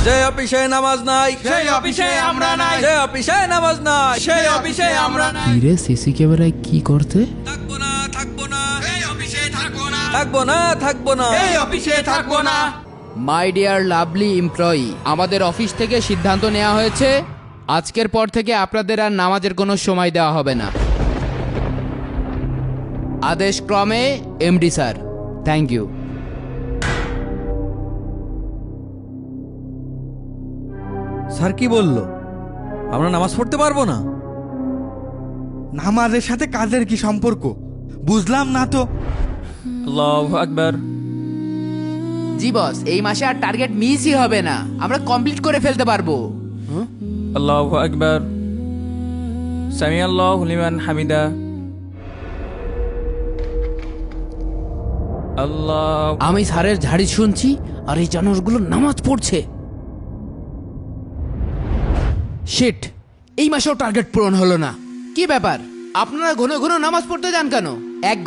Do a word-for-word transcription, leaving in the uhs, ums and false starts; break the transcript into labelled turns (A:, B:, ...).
A: যে অফিসে নামাজ নাই
B: সেই অফিসে আমরা নাই,
A: যে অফিসে নামাজ নাই
B: সেই অফিসে আমরা নাই।
C: কিরে সিসি ক্যামেরায় কি করতে?
A: থাকবো না থাকবো না
B: এই অফিসে থাকবো না,
A: থাকবো না থাকবো না
B: এই অফিসে থাকবো না।
D: মাই ডিয়ার লাভলি এমপ্লয়ি, আমাদের অফিস থেকে সিদ্ধান্ত নেওয়া হয়েছে আজকের পর থেকে আপনাদের আর নামাজের কোনো সময় দেওয়া হবে না। আদেশ ক্রমে MD sir. Thank you.
A: Sir কি বললো? আমরা নামাজ পড়তে পারবো না?
E: নামাজের সাথে কাজের কি সম্পর্ক বুঝলাম না তো।
A: আল্লাহু আকবার।
D: জি বস, এই মাসে আর টার্গেট মিসই হবে না, আমরা কমপ্লিট করে ফেলতে পারবো।
F: আল্লাহু আকবার। সামি আল্লাহু লিমান হামিদা। আল্লাহ।
D: আমি স্যারের ঝাড়ি শুনছি আর এই জানোয়ারগুলো নামাজ পড়ছে। শিট, এই মাসেও টার্গেট পূরণ হলো না। কি ব্যাপার, আপনারা ঘন ঘন নামাজ পড়তে যান কেন? এক